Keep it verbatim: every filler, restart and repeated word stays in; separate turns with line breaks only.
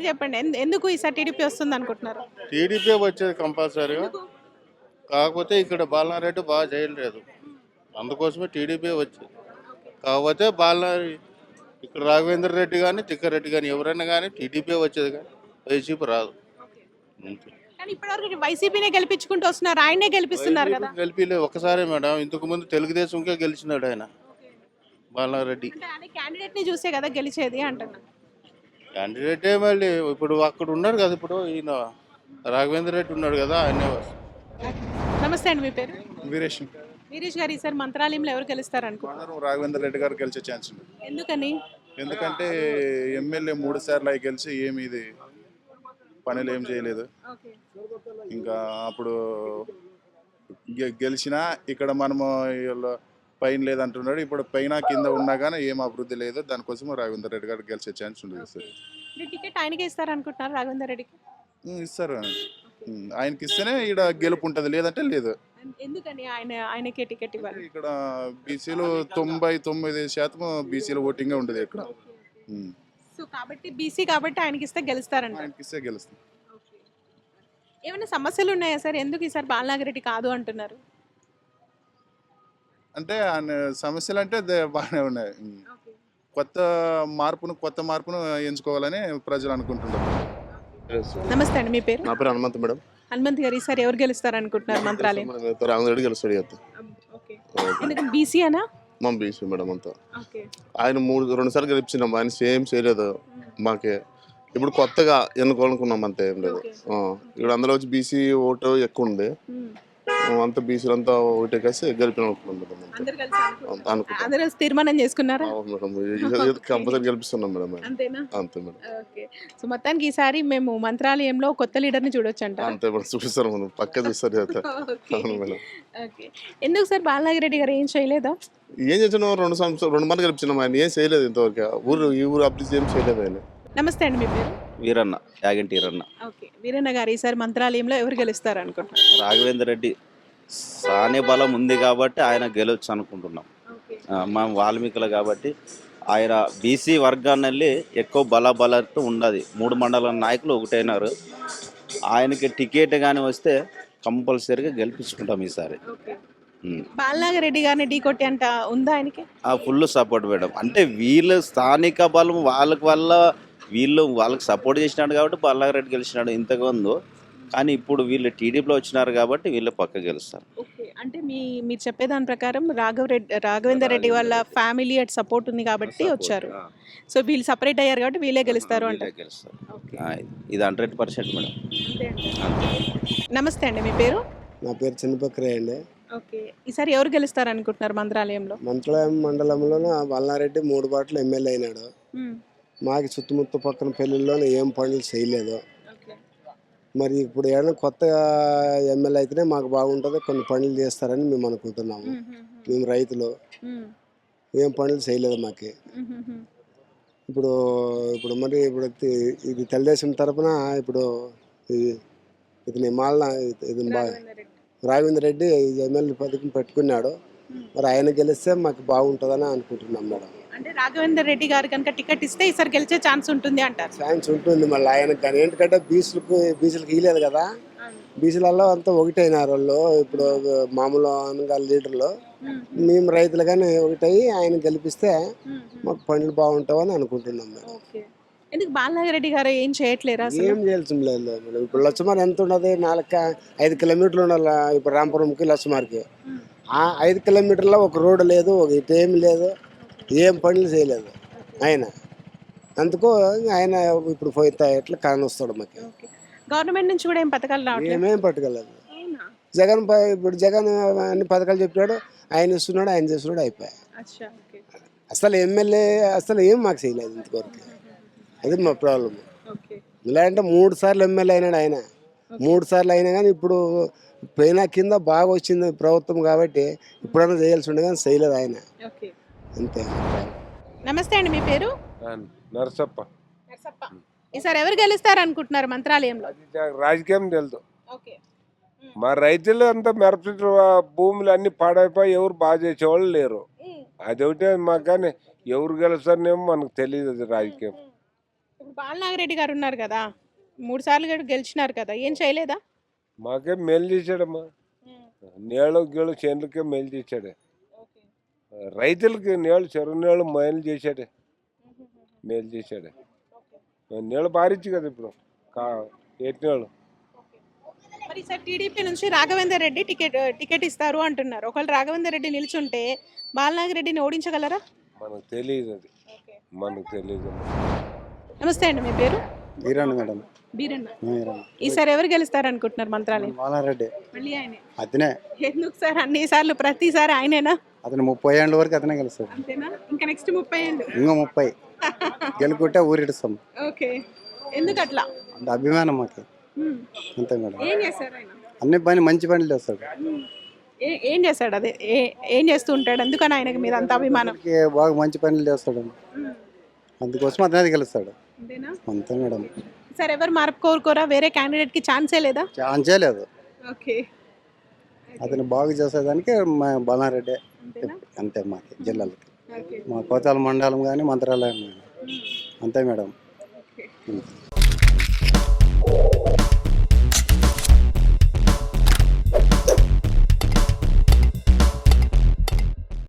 చెప్పండి. ఎందు ఎందుకు ఈసారి టీడీపీ వస్తుంది అనుకుంటున్నారు?
టీడీపీ వచ్చేది కంపల్సరీగా. కాకపోతే ఇక్కడ బాలనారెడ్డి బాగా చేయలేదు, అందుకోసమే టీడీపీ వచ్చింది. కాకపోతే బాలనారి ఇక్కడ రాఘవేంద్ర రెడ్డి కానీ తిక్కారెడ్డి కానీ ఎవరైనా కానీ టీడీపీ వచ్చేది, కానీ వైసీపీ రాదు. అంతే.
కానీ ఇప్పటివరకు వైసీపీనే గెలిపించుకుంటూ వస్తున్నారు. ఆయనే గెలిపిస్తున్నారు కదా.
వైసీపీ గెలిపిలే ఒక్కసారే మేడం, ఇంతకు ముందు తెలుగుదేశంకే గెలిచినాడు ఆయన బాలనారెడ్డి.
అంటే ఆయన క్యాండిడేట్ ని చూసే కదా గెలిచేది అంటున్నా.
క్యాండిడేటే మళ్ళీ ఇప్పుడు అక్కడ ఉన్నాడు కదా, ఇప్పుడు ఈయన రాఘవేంద్ర రెడ్డి ఉన్నాడు కదా, ఆయనే వస్తుంది.
నమస్తే అండి, మీ పేరు?
వీరేష్
వీరేష్ గారు, ఈసారి మంత్రాలయంలో ఎవరు గెలుస్తారు అనుకుంటున్నారు?
మండలం రాఘవేంద్ర రెడ్డి గారు గెలిచే ఛాన్స్ ఉంది.
ఎందుకని?
ఎందుకంటే ఎమ్మెల్యే మూడు సార్లు అయి గెలిచి ఏమి ఇది పనులు ఏం చేయలేదు. ఇంకా అప్పుడు గె- గెలిచినా ఇక్కడ మనము వీళ్ళు పైన లేదంటున్నాడు, ఇప్పుడు పైన కింద ఉన్నా కానీ ఏం అభివృద్ధి లేదు. దానికోసం రాఘవేంద్ర రెడ్డి గారు గెలిచే ఛాన్స్ ఉండదు సార్.
అంటే టికెట్ ఆయనకే ఇస్తారు అనుకుంటున్నారు రాఘవేందర్ రెడ్డికి?
ఉమ్, ఇస్తారు. ఉమ్, ఆయనకి ఇస్తేనే ఇక్కడ గెలుపు ఉంటుంది, లేదంటే లేదు.
ఎందుకని ఆయన ఆయనకే టికెట్ ఇవ్వాలి?
ఇక్కడ బీసీలు తొంభై తొమ్మిది శాతం బీసీల ఓటింగే ఉండదు ఇక్కడ. ఉమ్,
సో కాబట్టి బీసీ కాబట్టి ఆయనకి ఇస్తే గెలుస్తారంట.
ఆయనకి ఇస్తే గెలుస్తుంది.
ఏమైనా సమస్యలు ఉన్నాయా సార్? ఎందుకు ఈసారి బాలనాగిరెడ్డి కాదు అంటున్నారు?
అంటే ఆయన సమస్యలు అంటే దే- బాగానే ఉన్నాయి. ఉమ్. కొత్త మార్పును కొత్త మార్పును ఎంచుకోవాలని ప్రజలు అనుకుంటున్నారు.
నమస్తే అండి, మీ పేరు?
నా పేరు హనుమంత్ మేడం.
హనుమంత్ గారు, ఈసారి ఎవరు గెలుస్తారు అనుకుంటున్నారు మంత్రాలయం?
రాఘవేంద్ర రెడ్డి గెలుస్తాడు కదా.
ఎందుకంటే బీసీ అనా?
మా బీసీ మేడం అంతా.
ఓకే.
ఆయన మూడు రెండు సార్లు గెలిపించినాం, ఆయన సేమ్ చేయలేదు మాకే. ఇప్పుడు కొత్తగా ఎన్నుకోవాలనుకున్నాం, అంతే ఏం లేదు. ఆ, ఇక్కడ అందులో వచ్చి బీసీ ఓటు ఎక్కువ ఉంది, అంతా బీసీలు అంతా ఓటే కలిసి గెలిపినాం మేడం అంతే.
అందరూ కలిసి అనుకుంటున్నారు.
అనుకుంటాం.
అందరూ కలిసి తీర్మానం చేసుకున్నారా?
అవును మేడం, కంపల్సరీ గెలిపిస్తున్నాం మేడం ఆయన.
అంతేనా?
అంతే మేడం.
ఓకే. సో మొత్తానికి ఈసారి మేము మంత్రాలయంలో కొత్త లీడర్ని చూడొచ్చంట.
అంతే మేడం, చూపిస్తారు మనం పక్క చూస్తారు కదా.
ఓకే.
అవును మేడం.
ఓకే. ఎందుకు సార్ బాలనాగిరెడ్డి గారు ఏం చేయలేదా?
ఏం చేసినాం, రెండు సంవత్సరాలు రెండు మంది గెలిపించినాం, ఆయన ఏం చేయలేదు ఇంతవరకు. ఊరు ఈ ఊరు అభివృద్ధి ఏం చేయలేదు ఆయన.
నమస్తే అండి, మీ పేరు?
వీరన్న, యాగంటి వీరన్న.
ఓకే. వీరన్న గారు, ఈసారి మంత్రాలయంలో ఎవరు గెలుస్తారు అనుకుంటున్నారు?
రాఘవేంద్ర రెడ్డి సానే బలం ఉంది కాబట్టి ఆయన గెలవచ్చు అనుకుంటున్నాం. ఆ, మా వాల్మీకులు కాబట్టి ఆయన బీసీ వర్గాన్ని వెళ్ళి ఎక్కువ బల బలతో ఉండదు. మూడు మండల నాయకులు ఒకటైనారు. ఆయనకి టికెట్ కానీ వస్తే కంపల్సరీగా గెలిపించుకుంటాం ఈసారి. ఉమ్.
బాలనాగిరెడ్డి గారిని ఢీ కొట్టి అంట ఉందా ఆయనకి?
ఆ ఫుల్ సపోర్ట్ మేడం. అంటే వీళ్ళు స్థానిక బలం వాళ్ళకి వల్ల వీళ్ళు వాళ్ళకి సపోర్ట్ చేసినాడు కాబట్టి బాలనాగిరెడ్డి గెలిచినాడు ఇంతకుముందు. కానీ ఇప్పుడు వీళ్ళు టీడీపీలో వచ్చినారు కాబట్టి వీళ్ళు పక్క గెలుస్తారు.
ఓకే. అంటే మీ మీరు చెప్పేదాని ప్రకారం రాఘవరెడ్డి రాఘవేందర్ రెడ్డి వాళ్ళ ఫ్యామిలీ అట్ సపోర్ట్ ఉంది కాబట్టి వచ్చారు.
ఆ,
సో వీళ్ళు సపరేట్ అయ్యారు కాబట్టి వీళ్ళే గెలుస్తారు
వీళ్ళే
అంట.
గెలుస్తారు.
ఓకే.
ఆ, ఇది హండ్రెడ్ పర్సెంట్ మేడం. అంతే.
నమస్తే అండి, మీ పేరు?
నా పేరు చిన్నపక్రయ్య అండి.
ఓకే. ఈసారి ఎవరు గెలుస్తారు అనుకుంటున్నారు మంత్రాలయంలో?
మంత్రాలయం మండలంలోన వల్లారెడ్డి మూడు బాటలు ఎమ్మెల్యే అయినాడు.
మ్మ్.
మాకు చుట్టుముట్టు పక్కన పెళ్ళిళ్ళలోనే ఏం పనులు చేయలేదు.
ఓకే.
మరి ఇప్పుడు ఏమైనా కొత్త ఎమ్మెల్యే అయితేనే మాకు బాగుంటుంది, కొన్ని పనులు చేస్తారని మేము అనుకుంటున్నాము.
మ్మ్, మ్మ్,
మేము రైతులు
మ్మ్,
ఏం పనులు చేయలేదు మాకు.
మ్మ్, మ్మ్, మ్మ్.
ఇప్పుడు ఇప్పుడు మరి ఇప్పుడు తి- ఇది తెలుగుదేశం తరపున ఇప్పుడు ఇది ఇతని మాల ఇది బా
రాఘవేందర్ రెడ్డి.
రాఘవేంద్ర రెడ్డి ఎమ్మెల్యే పథకం పెట్టుకున్నాడు. మరి ఆయన గెలిస్తే మాకు బాగుంటుందని అనుకుంటున్నాం మేడం.
అంటే రాఘవేందర్ రెడ్డి గారు కనుక టికెట్ ఇస్తే ఈసారి గెలిచే ఛాన్స్ ఉంటుంది అంటారు.
ఛాన్స్ ఉంటుంది మళ్ళీ ఆయనకు. కానీ ఏంటంటే బీసీలకు బీసీలకు ఇవ్వలేదు కదా, బీసీలలో అంతా ఒకటైనారు వాళ్ళు. ఇప్పుడు మామూలు అనగా లీడర్లు మేము రైతులు కానీ ఒకటయి ఆయన గెలిపిస్తే మాకు పనులు బాగుంటావని అనుకుంటున్నాం మేడం.
ఓకే. ఎందుకు బాలనాగిరెడ్డి గారు ఏం చేయట్లేరా అసలు?
ఏం చేయాల్సిన లేదు మేడం. ఇప్పుడు లచ్చమార్ ఎంత ఉండదు, నాలుగు క- ఐదు కిలోమీటర్లు ఉండాలి. ఇప్పుడు రాంపురంకి లచ్చమార్కి ఆ ఐదు కిలోమీటర్లో ఒక రోడ్డు లేదు, ఒక ఇటు ఏమి లేదు, ఏం పనులు చేయలేదు ఆయన. అందుకు ఆయన ఇప్పుడు పోయితే ఎట్లా కానొస్తాడు మాకు.
ఓకే. గవర్నమెంట్ నుంచి కూడా ఏం పథకాలు రావట్లేదు?
ఏమేం పట్టుకెళ్ళదు.
అవునా?
జగన్ ప- ఇప్పుడు జగన్ అన్ని పథకాలు చెప్పాడు, ఆయన ఇస్తున్నాడు, ఆయన చేస్తున్నాడు, అయిపోయాయి.
అచ్చా. ఓకే.
అసలు ఎమ్మెల్యే అసలు ఏం మాకు చేయలేదు ఇంతవరకు. అది మా ప్రాబ్లం.
ఓకే.
ఇలాంటి మూడు సార్లు ఎమ్మెల్యే అయినాడు ఆయన. మూడు సార్లు అయినా కానీ ఇప్పుడు పైన కింద బాగా వచ్చింది ప్రభుత్వం కాబట్టి ఇప్పుడైనా చేయాల్సి ఉండే కానీ చేయలేదు ఆయన.
ఓకే.
అంతే.
నమస్తే అండి, మీ పేరు?
నరసప్ప.
నరసప్ప. ఈసారి ఎవరు గెలుస్తారు అనుకుంటున్నారు మంత్రాలయంలో?
రాజకీయం తెలుసు.
ఓకే.
మా రైతులు అంతా మిరప భూములు అన్ని పాడైపోయి ఎవరు బాగా చేసేవాళ్ళు లేరు. అదొకటే మాకు. కానీ ఎవరు గెలుస్తారనేమో మనకు తెలియదు. అది రాజకీయం
ఇప్పుడు బాలనాగిరెడ్డి గారు ఉన్నారు కదా, మూడు సార్లు కూడా గెలిచినారు కదా, ఏం చేయలేదా?
మాకేం మేలు చేశాడమ్మా. నీళ్ళు గీళ్ళు చేనులకే మేలు చేశాడే. రైతులకి నీళ్ళు చెరువు నీళ్ళు మేలు చేశాడే, మేలు చేశాడే. నీళ్ళు పారిచ్చు కదా ఇప్పుడు కా ఏటి నీళ్ళు.
మరి ఈసారి టీడీపీ నుంచి రాఘవేందర్ రెడ్డి టికెట్ టికెట్ ఇస్తారు అంటున్నారు. ఒకవేళ రాఘవేందర్ రెడ్డి నిల్చుంటే బాలనాగిరెడ్డిని ఓడించగలరా?
మనకు తెలియదు అది, మనకు తెలియదు.
నమస్తే అండి, మీ పేరు?
వీరన్న మేడం.
బీరన్న.
వీరన్న.
ఈసారి ఎవరు గెలుస్తారు అనుకుంటున్నారు మంత్రాలయం?
బాలారెడ్డి
మళ్ళీ ఆయనే.
అతనే
ఎందుకు సార్ అన్ని సార్లు ప్రతిసారి ఆయనేనా?
అతను ముప్పై ఏళ్ళ వరకు అతనే గెలుస్తాడు.
అంతేనా? ఇంకా నెక్స్ట్ ముప్పై ఏళ్ళు.
ఇంకా ముప్పై గెలుకుంటే ఊరిడుస్తాం.
ఓకే, ఎందుకు అట్లా?
అంత అభిమానం మాకు.
ఉమ్.
అంతే మేడం.
ఏం చేస్తారు ఆయన?
అన్ని పని మంచి పనులు చేస్తాడు.
ఏ- ఏం చేస్తాడు? అదే ఏ- ఏం చేస్తూ ఉంటాడు? ఎందుకని ఆయనకి మీద అంత అభిమానం?
అందరికీ బాగా మంచి పనులు చేస్తాడు. అందుకోసం అతనే గెలుస్తాడు.
అంతేనా?
అంతే మేడం.
సార్ ఎవరు మార్పు కోరుకోరా? వేరే క్యాండిడేట్ కి ఛాన్సే లేదా?
ఛాన్సే లేదు.
ఓకే,
అతను బాగు చేసేదానికి మా బాలారెడ్డి.
అంతేనా?
అంతే మాకు జిల్లాలకి,
ఓకే.
మా కోతాల మండలం కానీ మంత్రాలయం కానీ. అంతే మేడం.
ఓకే.
అంతే.